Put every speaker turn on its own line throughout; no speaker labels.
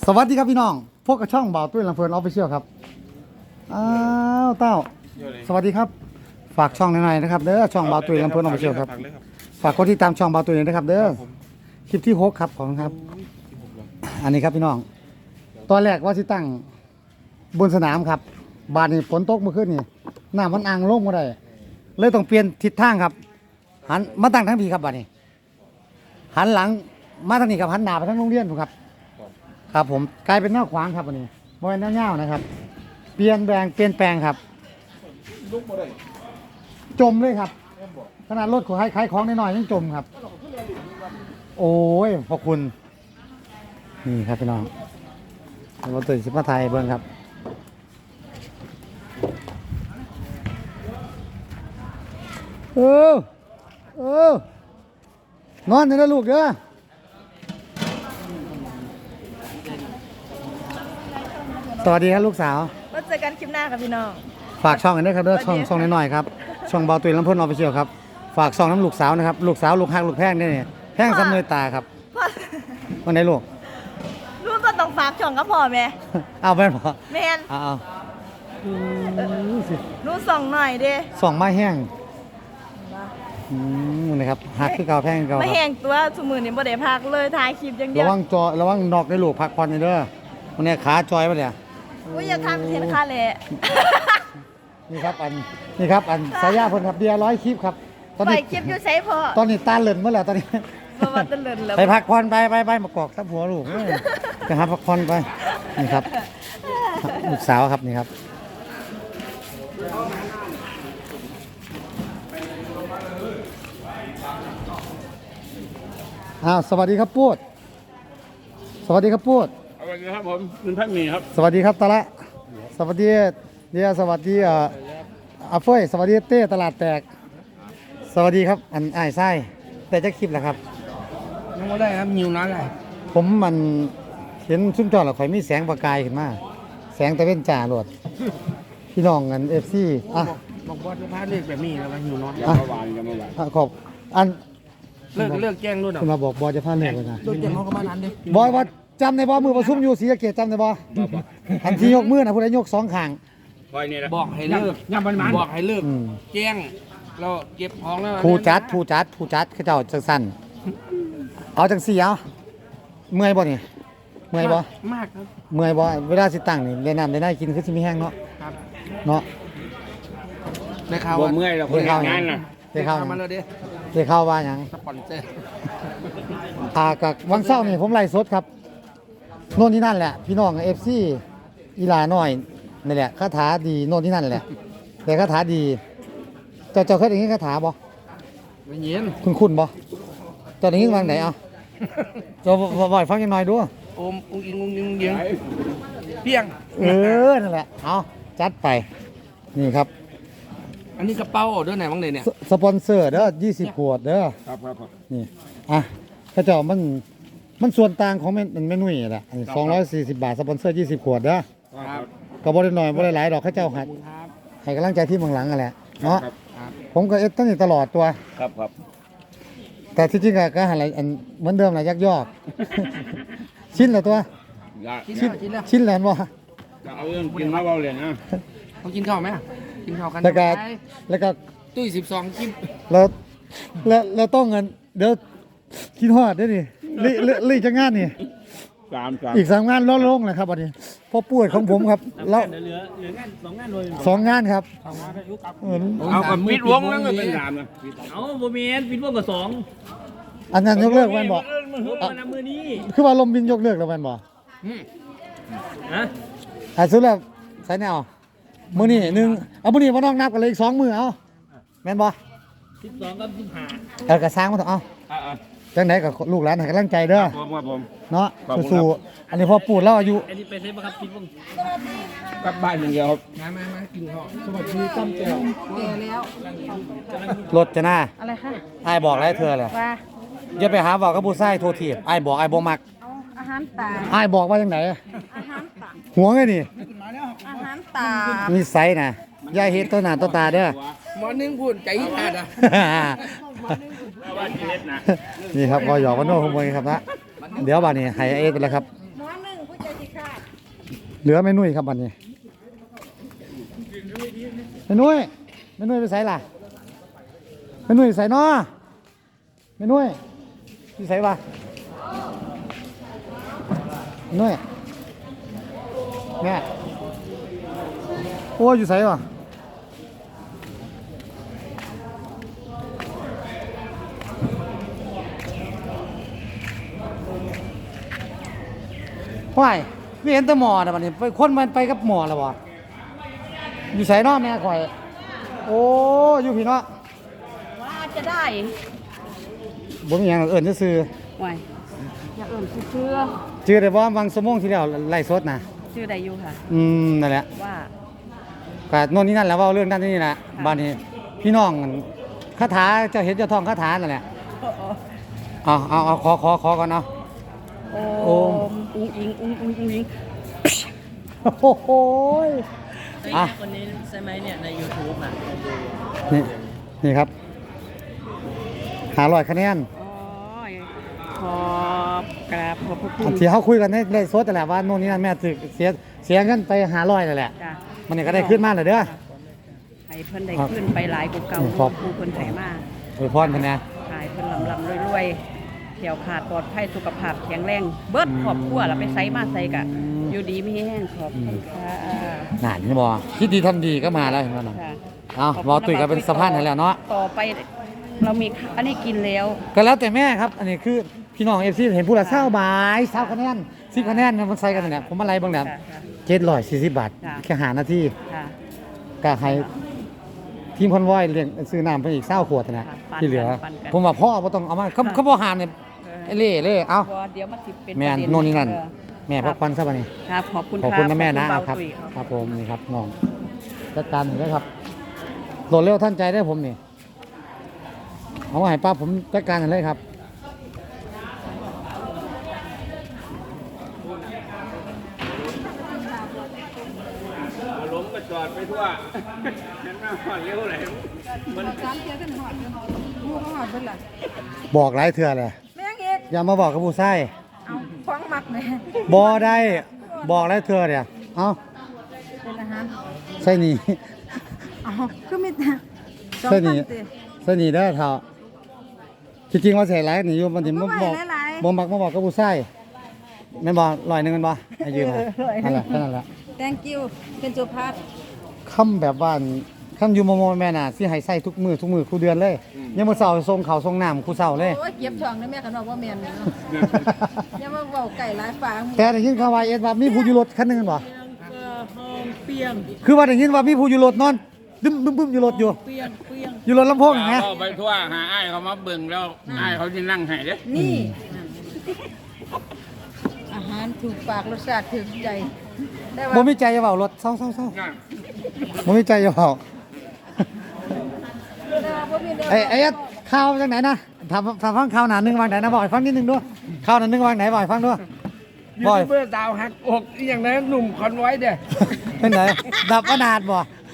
วัสดีครับพี่น้องพวกกระช่องบ่าวตุ้ยลำเพลินออฟฟิเชียลครับอ้าวเต้าสวัสดีครับฝากช่องหน่อยๆนะครับเด้อช่องบ่าวตุ้ยลำเพลินออฟฟิเชียลครับฝากกดติดตามช่องบ่าวตุ้ยนะครับเด้อคลิปที่6ครับของครับอันนี้ครับพี่น้องตอนแรกว่าสิตั้งบนสนามครับบาดนี้ฝนตกเมื่อคืนนี่น้ำมันอ่างลงมาได้เลยต้องเปลี่ยนทิศทางครับหันมาตั้งทั้งพีครับบาดนี้หันหลังมาทางนี้ครับหันหน้าไปทางโรงเรียนผมครับครับผมกลายเป็นหน้าขวางครับวันนี้บริเวณหน้าเงานะครับเปลี่ยนแปลงครับจมเลยครับขนาดรถขายของน้อยๆยังจมครับโอ้ยขอบคุณนี่ครับพี่น้องรถตื่นสิบมาไทยเบิ้งครับนอนอยู่นะลูกเด้อสวัสดีครับลูกสาว
มาเจอกันคลิปหน้าครับพี่น้อง
ฝากช่องกันด้วยครับเด้อช่องน้อยๆครับช่องเบาตุยลำพ่นออฟฟิเชียลครับฝากช่องน้ำลูกสาวนะครับลูกสาวลูกฮักลูกแพงเนี่ยแพงซ้ำเนยตาครับวันไหนลูก
ลูกก็ต้องฝากช่องกับพ่อแม่
เอาแม่นพอ
แม่น
เอา
ลูกส่องหน่อยดิ
ส่องไม้แห้งนะครับฮักคือเก่าแพงเก่า
ไม่แห้งตัวสมือนี่บ่ได้พักเลยถ่ายคลิปอย่างเดียว
ระวังนอกได้ลูกพักผ่อนเด้อวันนี้ขาจอยปะเนี่ย
อุ้ยอย่าทำเห็นค่าแหละ
นี่ครับอันสายยาเพิ่นครับเบียร์100คลิปครับ
ตอนนี้คลิปอยู่ไสพ่อ
ตอนนี้ตาเหลินเมื่อไหร่ตอนนี้
บ่ว่าตาเหลินแล้ว
ไปพักผ่อนไปมากอกทับหัวลูกไปหาพักผ่อนไปนี่ครับลูกสาวครับนี่ครับสวัสดีครับปูดสวัสดีครับปูด
สวัสดีครับผมคุณพักมีครับ
สวัสดีครับตะละสวัสดีเดียสวัสดีอาเฟยสวัสดีเต้ตลาดแตกสวัสดีครับอันไส้แต่จะคลิปแหละครับ
ยังไม่ได้ครับหิวน้ำเลย
ผมมันเห็นซุ้มจอดหรอข่อยมีแสงประกายขึ้นมาแสงตะเวนจ่าโหลดพี่น้องกันFC
บอกบอสจะพาเลือกแบบนี้แล้วหิวน้ำ
ขอบอัน
เลือกแจ้งรุ่น
คุณมาบอกบอสจะพาเลือกเลยนะ
เลือกแจ้งเขาก็มานั้นดิ
บอยว่าจำในบอมือประชุมอยู่ศรีสะเกษจำในบอทันทียกมือนะผู้ใดยก2ข้าง
บอกให้เลิกบอกให้เลิกแจ้งเราเก็บของแล้ว
ผู้จัดเขาเจ้าจังสั้นเอาจังสี่เอาเมื่อยบ่นี่เมื่อยบ่
มากครับ
เมื่อยบ่เวลาสิตั้งนี่ได้น้ำได้กินคือสิมีแห้งเนาะเนาะ
ได้ข่าวว่า
เมื่อยเราคนงานน่ะได้ข่าว
มาเลยดิ
ได้ข่าวว่าหยัง
สปอนเซอร์
กับวันเสาร์นี่ผมไล่สดครับโน่นที่นั่นแหละพี่น้อง FC อีหลาน้อยนี่แหละคาถาดีโน่นที่นั่นแหละแต่คาถาดีเจ้าเคยได้ยินคาถาบ่
ไม่ยิน
คุณบ่เจ้าได้ยินวางไหนเอาเจ้าบ่อยฟังยังหน่อยดู
โอมอุ้งอิงเพียง
นั่นแหละเอาจัดไปนี่ครับ
อันนี้กระเป๋าด้วยไหนบ้างเนี่ย
สปอนเซอร์เด้อ20ขวดเด้อ
ครับ
นี่ข้าเจ้ามันส่วนต่างของมันไม่นุ่ยแหละ240 บาทสปอนเซอร์20ขวดเด้อก็บ่ได้น้อยบ่ได้หลายดอกข้าเจ้าให้กำลังใจที่เมืองหลังกันแหละเนาะผมก็ตั้งอยู่ตลอดตัว
ครับ
แต่ที่จริงก็หาอะไรเหมือนเดิมแหละยักยอกชิ้นละตัวชิ้นแล้วบ่
เอาเรื่องกินมาเบาเลยนะต้องกินข้าวไหมกินข้าวกัน
แล้วก็
ตุ้ย12กิน
แล้วต้องเงินเดี๋ยวคิดฮอดได้ดิรีจะงานนี่อีก3งานลดลงเลยครับวันนี้พ่อป่วยของผมครับแล้ว
เหลืองาน2งานเลย
2งานครับ
เอากับปิดวงแล้วก็เป็น3นะ
เอาโมเมนต์ปิดวงกับ2
อันนั้นยกเลิกแม่นบ่
มือนี้
คือว่าลมบินยกเลิกแล้วแม่นบ่สุดแล้วใส่แนวมื้อนี้1เอามื้อนี้บ่ต้องนับกันเลยอีก2มื้อเอาแม่นบ่
12กับ15
ก็สร้างมาเถอะเอาจังไหนกับลูกหลานให้กำลังใจเด้อ
ผม
เนาะสู้ๆอันนี้พอปูดแล้วอายุ
อันนี้ไปเซฟครับปิดวง
กลับบ้านอย่างเดียวครับมากินข้าวสวัสดีตั้มแก้ว
แก่แล้ว
รถจะหน้า
อะไรคะ
อ้ายบอกแล้วเธอแหละ
ว่า
อย่าไปหาบอกกับผู้ชายโทษทีอ้ายบอกอ้ายบ่มัก
อาหารตา
อ้ายบอกว่าจังไหน
อาหารตา
หัวไงนี่
อาหารตา
นิสัยน่ะอย่าเฮ็ดต่อหน้าต่อตาเด้อ
หมอนึงพูดใจขาด
นี่ครับก็หยอกกันโน้ขโมยครับนะเดี๋ยวบ้านนี้ให้เอไปแล้วครับ
หมอนึงผู้ใจ
เหลือแม่นุ่ยครับบัดนี้แม่นุ่ยไปไสล่ะแม่นุ่ยไสน้อแม่นุ่ยอยู่ไสวะแม่นุ่ยแม่โอ้อยู่ไสวะว้ายไม่เห็นแต่หมอนะบัดนี้ไปคนมันไปกับหมอแล้วบ่อยู่ไสน้อแม่ข่อยโอ้อยู่พี่เนาะ
ว่าจะได้
บ่มีหยังหรอกเอิ้นซื่อ
ไว้อย่าเอิ่มชื่อ
ๆชื่อได้บ่บางชั่วโมงที่แล้วไล่สดนะ
ชื่อใดอยู่ค่ะ
นั่นแหละ
ว่า
ก็โน่นนี่นั่นแหล้วเว้าเรื่องนั้นนี่แหละบัดนี้พี่น้องคาถาเจ้าเห็นเจ้าท่องคาถานั่นแหละเอาขอก่อนเนาะ
โอมอุ้งอิงอุ้งอิง
โอ้โหย
ไอ้คนนี้ใช่ไหมเนี่ยใน YouTube อ่ะดู
นี่ครับ500คะแนน
โอ้ยขอบกราบขอบพระคุ
อัน
ณ
ที่เขาคุยกันในไล่สดนั่นแหละว่าโน่นนี่นั่นแม่ตึกเสียเงินไป500นั่นแหละ
จ้ะ
มันนี่ก็ได้ขึ้นมาแล้วเด้อ
ให้เพิ่นได้ขึ้นไปหลายกว่าเก่า
ขอบ
ผู้เพิ่นไถมา
อวยพรเพิ่นนะ
ขายเพิ่นลำรวยๆเที่ยวขาดปลอดภัยสุขภาพแข็งแรง เบิดครอบครัวแล้วไปไสมาไสกะ อยู่ดีมีแห้งขอบคุณค่ะ
นั่นนี่บ่คิดดีทำดีก็มาแล้วเห็นบ่น่ะ
ค่ะ
เอาบ่ตุ้ยก็เป็นสะพานให้แล้วเนาะ
ต่อไปเรามีอันนี้กินแล้ว
ก็แล้วแต่แม่ครับ อันนี้คือพี่น้อง FC เห็นผู้ละ20บาท20คะแนน10คะแนนมันใส่กันนั่นแหละผมมาไล่เบิ่งแล้ว
ค่ะ
740บาท
จ้ะ
แค่5นาที
ค่ะ
ก็ให้ทีมคอนวอยเลี้ยงซื้อน้ำไปอีก20ขวดนะ
ค่ะปั่น
ที่เหลือ
ปั่นกัน
ผมว่าพ่อบ่ต้องเอามาเขาบ่หามเนี่ยไอ้เล่เลยเอ้า
บ่เดี๋ยวมันสิเป็น
แม่น
ประเด็
โน่นนี่นั่น
เออ
แม่พักผ่อนซะบัดนี้
ครับขอบคุณ
ขอบคุณ
รั
นะแม่นะ
ข
ค
อ
รั
บบ คุณเาตุ้ย
ครับผมนี่ครับน้องจัดการหน่อยด้วยครับโหลดเร็วท่านใจได้ผมนี่เอาไว้ให้ป้าผมจัดการกันเลยครับ
ล้มก็จอดไปทั่วเห็นไหมว่าเร็วเลยมัน
บอกหลายเทื่อเลย
แม่งเอก
อย่ามาบอกกับผู้ชาย
เอาฟังมักเลย
บ่ได้บอกหลายเทื่อเนี่ยเอา
เป็นอาหาร
ใส่นี่
เอาคือมีแต่สอง
ใส่
พั
นี่
นติ
ใส่นี่ได้อเท่าที่จริงว่าใส่หลายนี่อยู่มันถึงบ่บอก
หลายๆ
บ่มักมาบอกกับผู้ชายแม่นบ่100นึงแม่นบ่ให้ยืมมานั่นแหละแค่นั้นแหละ
thank you เป็นสุภาพ
คำแบบว่าคำอยู่มอแม่น่ะสิให้ใส่ทุกมือคู่เดือนเลยยังมื้อเช้าส่งข้าวส่งน้ำคู่เช้าเลย
โอ้ยเก็บช่องนะแม่กันบอกว่าแม่นเนาะอย่ามาเว้าไก่หลายฝาง
แต่ได้ยินข่าวว่าเอ็ดว่ามีผู้อยู่รถคันหนึงแม่นบ่
ห้องเปียง
คือว่าได้ยินว่ามีผู้อยู่รถนอนดึมบึ้มอยู่รถอยู่
เปียง
อยู่รถลำโพงอย่างเงี้ย
เอาไปทั่วหาไอ้ายเขามาเบิ่งแล้วไอ้ายเขาจะนั่งให้เด้
นี่อาหารถูกปากรสชาติถึงใจได้ว่า
บ่มีใจจะเว้ารถเศร้า
นั่น
ๆบ่มีใจจะเว้า
ได้ว่าบ่มีเด้
ไอ้เอ็ดข่าวจากไหนนะถามฟังข่าวหนาหนึงวางไหนนะบอกให้ฟังนิดนึงด้วยข่าวหนาหนึงวางไหนบอกให้ฟังด้วย
ยู
บ่อย
ทูบเบอร์ดาวหักอกอหย่างนั้นหนุ่มคอนไว้เด้
เป็นไหนดับอนาถบ่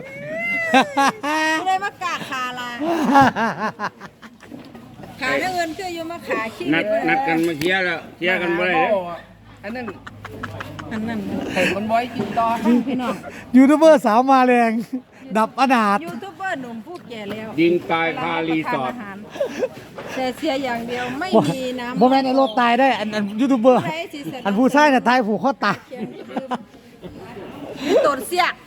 ไม่ได้มากาขาลาขาเงินคืออยู่มาขาขี้
นัดกันมาเคลียร์แล้วเคลียร์กันบ่ได้เด้อันนั้น
อันนั้น
ไข่คนไว้กินต่อ
พี่น้อง
ยูทูบเบอร์สาวมาแรงดับอนาถ
ยูทูบเบอร์หนุ่มผู้แก่แล้ว
ยิงตายคารีสอร์ท
แต่เสียอย่างเดียวไม่มีน้ำ
บ่แม่นไอ้รถตายได้อันยูทูบเบอร์
ผู้ใดสิเสร็จ
อันผู้ชายน่ะตายผูกคอตาย
มีตดเสียก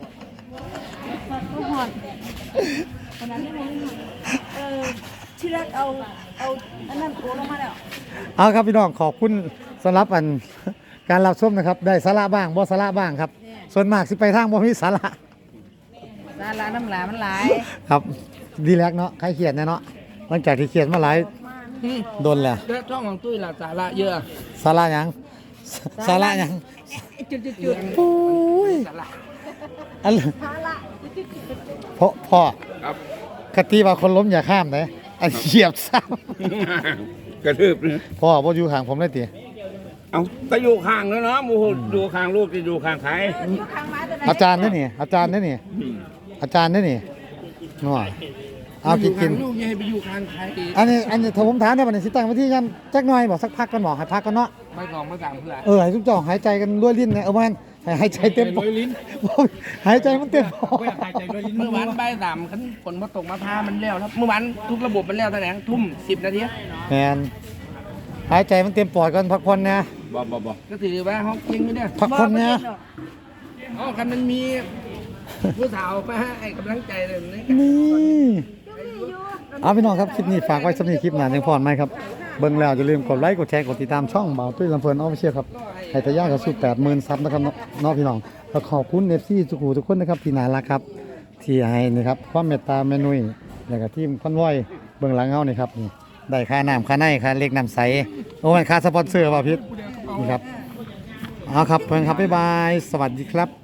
หอนขนาดนี้มันที่แรกเอาอันนั้นโกลงมาแล้ว
เอาครับพี่น้องขอบคุณสำหรับอันการรับชมนะครับ ได้สาระบ้างบ่สาระบ้างครับ ส่วนมากสิไปทางบ่มีสาระ
สาราน้ำหลามันหลาย
ครับดีแลกเนาะใครเครียดแน่เนาะหลังจากที่เครียดมาหลายโดนแล้ว
เด้อช่องของตุ้ยล่ะสาระเยอะ
สาระหยังสาระหยัง
จุด
ปุ้ย
สาระ
อัน
ภาระ
พ่อ
ครับ
คติว่าคนล้มอย่าข้ามนะอันเหยียบซ้
กระทืบเลย
ำพ่อบ่อยู่ข้างผมเลยติ
เอาก็อยู่ข้างแล้วเนาะหมูดูข้างลูกจะอยู่ข้างใคร
อยู่ข้างไม้ตัวไหน
อาจารย์นี่นี่อาจารย์นี่นี่อาจารย์นี่นี่นัวเอากินกิน
ลูกอย่าให้ไปอยู่ข้างใคร
อันนี้ถ้าผมถามได้บัดนี้สิตั้งไว้ที่กันจักหน่อยบอกสักพักกันบอกให้พักกันเนาะ
ไม่กองไม่ต่างเพื่อน
ให้ทุกเจ้าหายใจกันด้วยลิ้นเนี่ยแม่นหายใจเต็มปอดหายใจมันเต็มปอด
เมื่อวานบ่ายสามคันฝนมาตกมาพามันแล้วครับเมื่อวานทุกระบบมันแล้วตั้งแต่ทุ่ม10 นาที
แมนหายใจมันเต็มปอดก่อนพักผ่อนนะ
บ่ก็ถือว่าเขาเก่งอยู่เนี่ย
พักผ่อนนะ
อ๋อคันมันมีผู้สาวมาให้กำลังใจเลยนี่
นี่เอาพี่น้องครับคลิปนี้ฝากไว้สำหรับคลิปหน้าจังพรไหมครับเบิ่งแล้วอย่าลืมกดไลค์กดแชร์กดติดตามช่องบ่าวตุ้ยลำเพลินออฟฟิเชียลครับให้ทะยานเข้าสู่ 80,000 ซับนะครับน้องพี่น้องแล้วขอบคุณ FC ทุกคนนะครับที่น่ารักครับที่ให้นี่ครับความเมตตาแม่นุ้ยแล้วก็ทีมคอนวอยเบื้องหลังเฮานี่ครับนี่ได้ค่าน้ำค่าในค่าเล็กน้ำใสโอ้ยค่าสปอนเซอร์ป่ะพิษนี่ครับเอาครับเพื่อนครับบ๊ายบายสวัสดีครับ